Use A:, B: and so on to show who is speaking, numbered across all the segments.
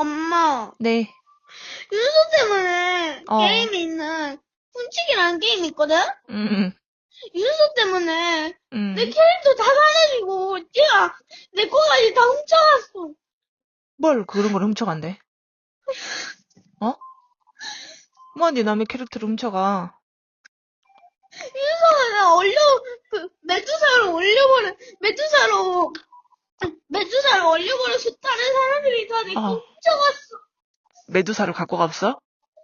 A: 엄마,
B: 네.
A: 윤서 때문에
B: 어.
A: 게임에 있는 훔치기라는 게임이 있거든?
B: 음.
A: 윤서 때문에 내
B: 음.
A: 캐릭터 다 사라지고 얘가 내 거까지 다 훔쳐갔어.
B: 뭘 그런 걸 훔쳐간대? 어? 뭐하니 남의 캐릭터를 훔쳐가?
A: 윤서가 메두사를 올려버려서 다른 사람들이 다 내 거
B: 어.
A: 훔쳐갔어.
B: 메두사를 갖고 갔어?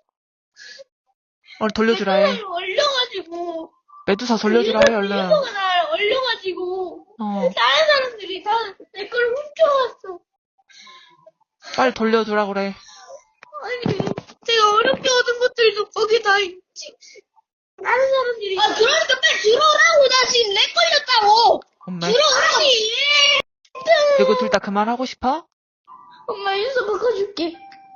B: 얼른 돌려주라 해.
A: 메두사를 올려가지고
B: 메두사 돌려주라 해, 얼른.
A: 윤서가 나를 올려가지고
B: 어.
A: 다른 사람들이 다 내 걸 훔쳐갔어.
B: 빨리 돌려주라 그래.
A: 아니, 제가 어렵게 얻은 것들도 거기 다 있지. 다른 사람들이. 그러니까 빨리 들어오라고. 나 지금 렉 걸렸다고.
B: 엄마.
A: 들어오라고.
B: 이거 둘 다 그만하고 싶어?
A: 엄마, 윤서 바꿔줄게.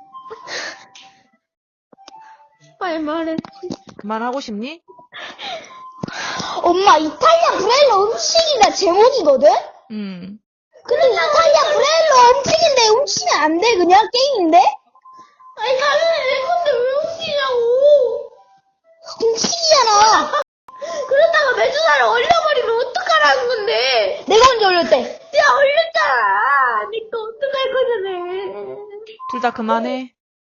A: 빨리 말해.
B: 그만하고 싶니?
C: 엄마, 이탈리아 브레일로 음식이가 제목이거든? 근데 이탈리아 브레일로 음식인데 훔치면 안 돼, 그냥 게임인데?
A: 아니, 당연히 내 건데 왜 훔치냐고.
C: 음식이잖아.
A: 그러다가 메두사를 올려버리면 어떡하라는 건데.
C: 내가 언제 올렸대?
A: 내가 올렸잖아. 내 거 어떡할 거잖아.
B: 둘 다 그만해.